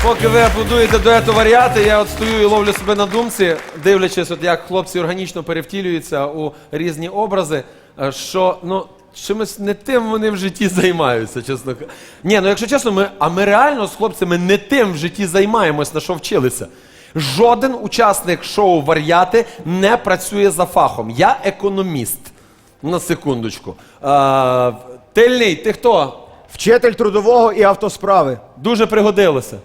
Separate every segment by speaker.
Speaker 1: Поки ви аплодуєте дуету варіати, я от стою і ловлю себе на думці, дивлячись, от як хлопці органічно перевтілюються у різні образи, що, ну, чимось не тим вони в житті займаються, чесно кажучи. Ні, ну якщо чесно, ми реально з хлопцями не тим в житті займаємось, на що вчилися. Жоден учасник шоу «Вар'яти» не працює за фахом. Я економіст. На секундочку. Тильний, ти хто?
Speaker 2: Вчитель трудового і автосправи.
Speaker 1: Дуже пригодилося.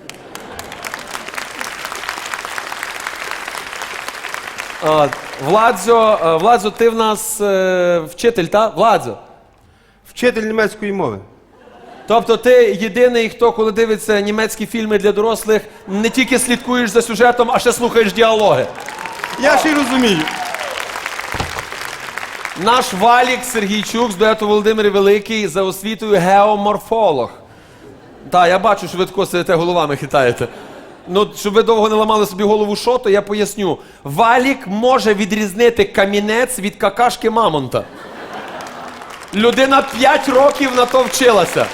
Speaker 1: Владзо, ти в нас вчитель, так? Владзо.
Speaker 3: Вчитель німецької мови.
Speaker 1: Тобто ти єдиний, хто, коли дивиться німецькі фільми для дорослих, не тільки слідкуєш за сюжетом, а ще слухаєш діалоги.
Speaker 3: Я ще й розумію.
Speaker 1: Наш Валік Сергійчук з дуету Володимир Великий за освітою геоморфолог. Так, я бачу, що ви тако сидите, головами хитаєте. Ну, щоб ви довго не ламали собі голову що, то я поясню. Валік може відрізнити камінець від какашки мамонта. Людина 5 років на то вчилася.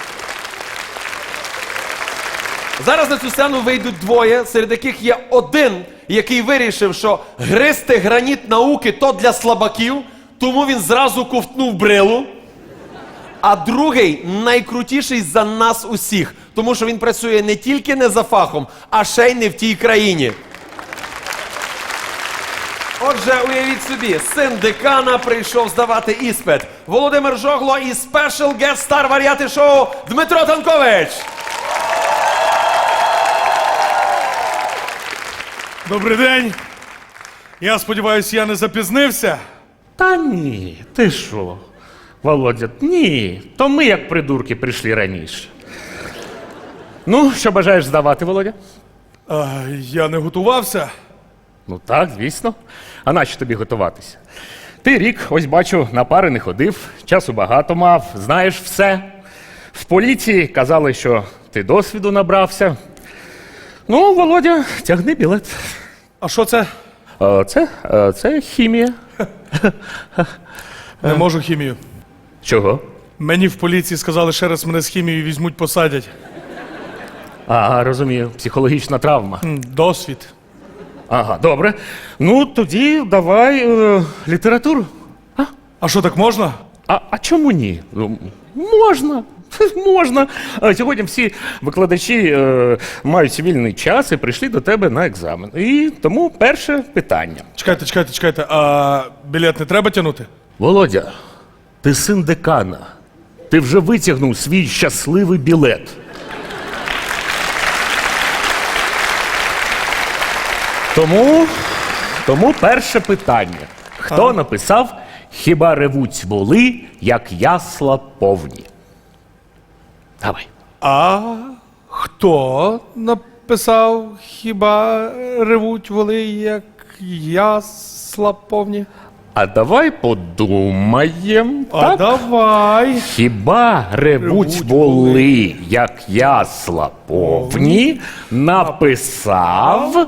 Speaker 1: Зараз на цю сцену вийдуть двоє, серед яких є один, який вирішив, що гризти граніт науки то для слабаків, тому він зразу ковтнув брилу. А другий найкрутіший за нас усіх, тому що він працює не тільки не за фахом, а ще й не в тій країні. Отже, уявіть собі, син декана прийшов здавати іспит. Володимир Жогло і спешл гест-стар варіати шоу Дмитро Танкович.
Speaker 4: Добрий день. Я сподіваюся, я не запізнився.
Speaker 5: Та ні, ти що, Володя, ні, то ми як придурки прийшли раніше. Ну, що бажаєш здавати, Володя?
Speaker 4: Я не готувався.
Speaker 5: Ну так, звісно. А нащо тобі готуватися? Ти рік, ось бачу, на пари не ходив, часу багато мав, знаєш все. В поліції казали, що ти досвіду набрався. Ну, Володя, тягни білет.
Speaker 4: А що це?
Speaker 5: Це хімія.
Speaker 4: Не можу хімію.
Speaker 5: Чого?
Speaker 4: Мені в поліції сказали, ще раз мене з хімією візьмуть, посадять.
Speaker 5: Ага, розумію, психологічна травма.
Speaker 4: Досвід.
Speaker 5: Ага, добре. Ну, тоді давай літературу.
Speaker 4: А що, так можна?
Speaker 5: А чому ні? Ну, можна. Можна. Сьогодні всі викладачі мають вільний час і прийшли до тебе на екзамен. І тому перше питання.
Speaker 4: Чекайте. А білет не треба тягнути?
Speaker 5: Володя, ти син декана. Ти вже витягнув свій щасливий білет. Тому перше питання. Хто написав «Хіба ревуть воли, як ясла повні»? Давай.
Speaker 4: А хто написав «Хіба ревуть воли, як ясла повні»?
Speaker 5: А давай подумаєм.
Speaker 4: А давай.
Speaker 5: Хіба ревуть воли, як ясла повні, написав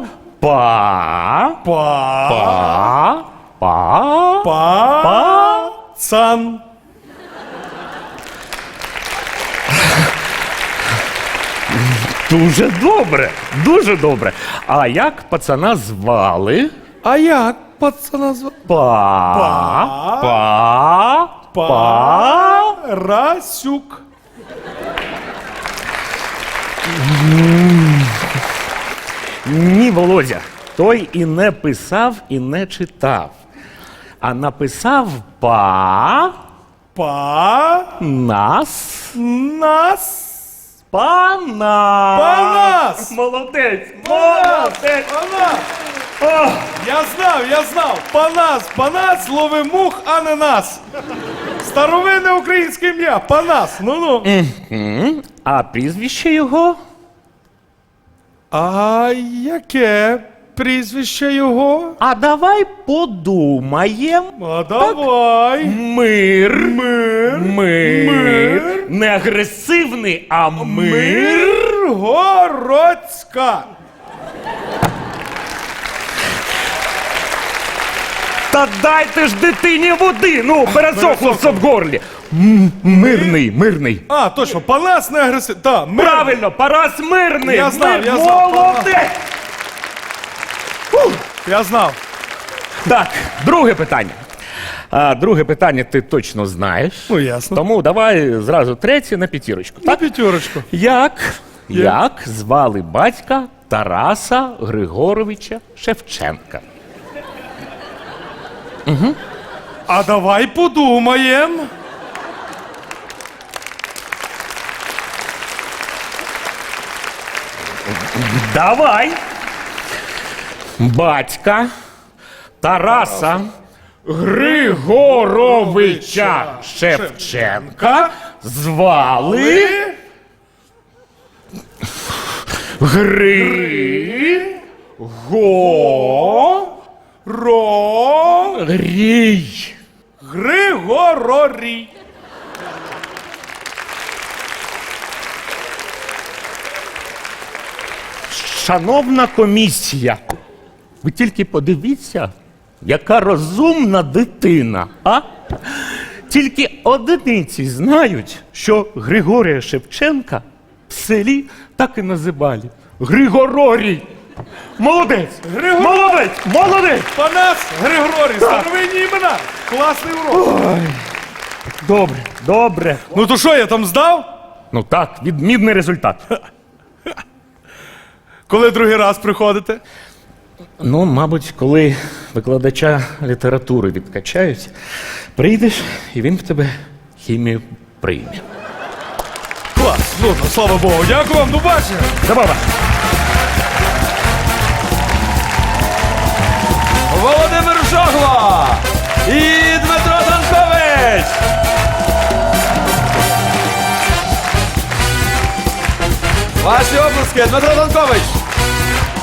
Speaker 4: Пацан.
Speaker 5: Дуже добре, дуже добре. А як пацана звали?
Speaker 4: А як пацана звати? Парасюк.
Speaker 5: Ні, Володя, той і не писав, і не читав. А написав нас.
Speaker 4: Панас.
Speaker 5: Молодець.
Speaker 4: Панас. Я знав. Панас лови мух, а не нас. Старовинне українське ім'я. Панас. Ну.
Speaker 5: А прізвище його?
Speaker 4: А яке прізвище його?
Speaker 5: А давай подумаєм.
Speaker 4: А давай.
Speaker 5: Мир. Не агресивний, а мир.
Speaker 4: Миргородська.
Speaker 5: Та дайте ж дитині води, ну, пересохло все в горлі. Мирний.
Speaker 4: А, точно, Панас не агресивний. Так,
Speaker 5: Правильно, Парас Мирний.
Speaker 4: Я знав, я знав.
Speaker 5: Молодець.
Speaker 4: Я знав.
Speaker 5: Так, друге питання. Друге питання ти точно знаєш.
Speaker 4: Ну, ясно.
Speaker 5: Тому давай зразу третє на п'ятірочку.
Speaker 4: На п'ятерочку.
Speaker 5: Як звали батька Тараса Григоровича Шевченка?
Speaker 4: А давай подумаємо.
Speaker 5: Давай. Батька Тараса Григоровича Шевченка звали Григорій.
Speaker 4: Григорорій.
Speaker 5: Шановна комісія, ви тільки подивіться, яка розумна дитина, а? Тільки одиниці знають, що Григорія Шевченка в селі так і називали. Григорорій. Молодець! Молодець!
Speaker 4: Панас Григорій. Старовинні імена. Класний урок.
Speaker 5: Добре.
Speaker 4: Ну то що, я там здав?
Speaker 5: Ну так, відмінний результат.
Speaker 4: Коли другий раз приходите?
Speaker 5: Ну, мабуть, коли викладача літератури відкачають, прийдеш, і він в тебе хімію прийме.
Speaker 4: Клас. Ну, слава Богу. Дякую вам. До бачення.
Speaker 5: Забава!
Speaker 1: Володимир Жогла і Дмитро Танкович. Ваші обласки, Дмитро Танкович.